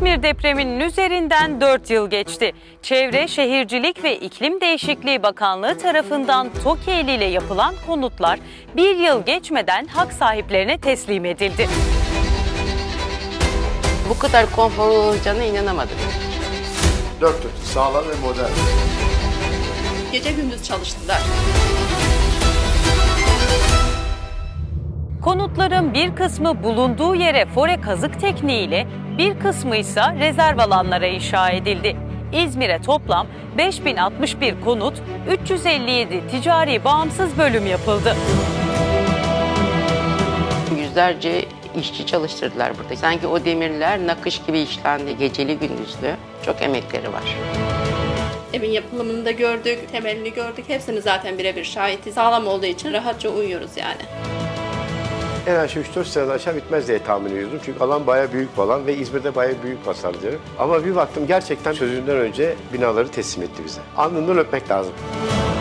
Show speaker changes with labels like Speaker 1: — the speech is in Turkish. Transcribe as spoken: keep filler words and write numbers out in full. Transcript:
Speaker 1: İzmir depreminin üzerinden dört yıl geçti. Çevre, Şehircilik ve İklim Değişikliği Bakanlığı tarafından TOKİ eliyle yapılan konutlar bir yıl geçmeden hak sahiplerine teslim edildi.
Speaker 2: Bu kadar konforlu olacağına inanamadım.
Speaker 3: Dört dört, sağlam ve modern.
Speaker 4: Gece gündüz çalıştılar.
Speaker 1: Konutların bir kısmı bulunduğu yere fore kazık tekniğiyle, bir kısmı ise rezerv alanlara inşa edildi. İzmir'e toplam beş bin altmış bir konut, üç yüz elli yedi ticari bağımsız bölüm yapıldı.
Speaker 2: Yüzlerce işçi çalıştırdılar burada. Sanki o demirler nakış gibi işlendi, geceli gündüzlü. Çok emekleri var.
Speaker 4: Evin yapılımını da gördük, temelini gördük. Hepsini zaten birebir şahiti. Sağlam olduğu için rahatça uyuyoruz yani.
Speaker 3: En aşağı üç dört seneden aşağı bitmez diye tahmin ediyordum. Çünkü alan bayağı büyük bir alan ve İzmir'de bayağı büyük pazarcı. Ama bir baktım gerçekten sözünden önce binaları teslim etti bize. Alnından öpmek lazım.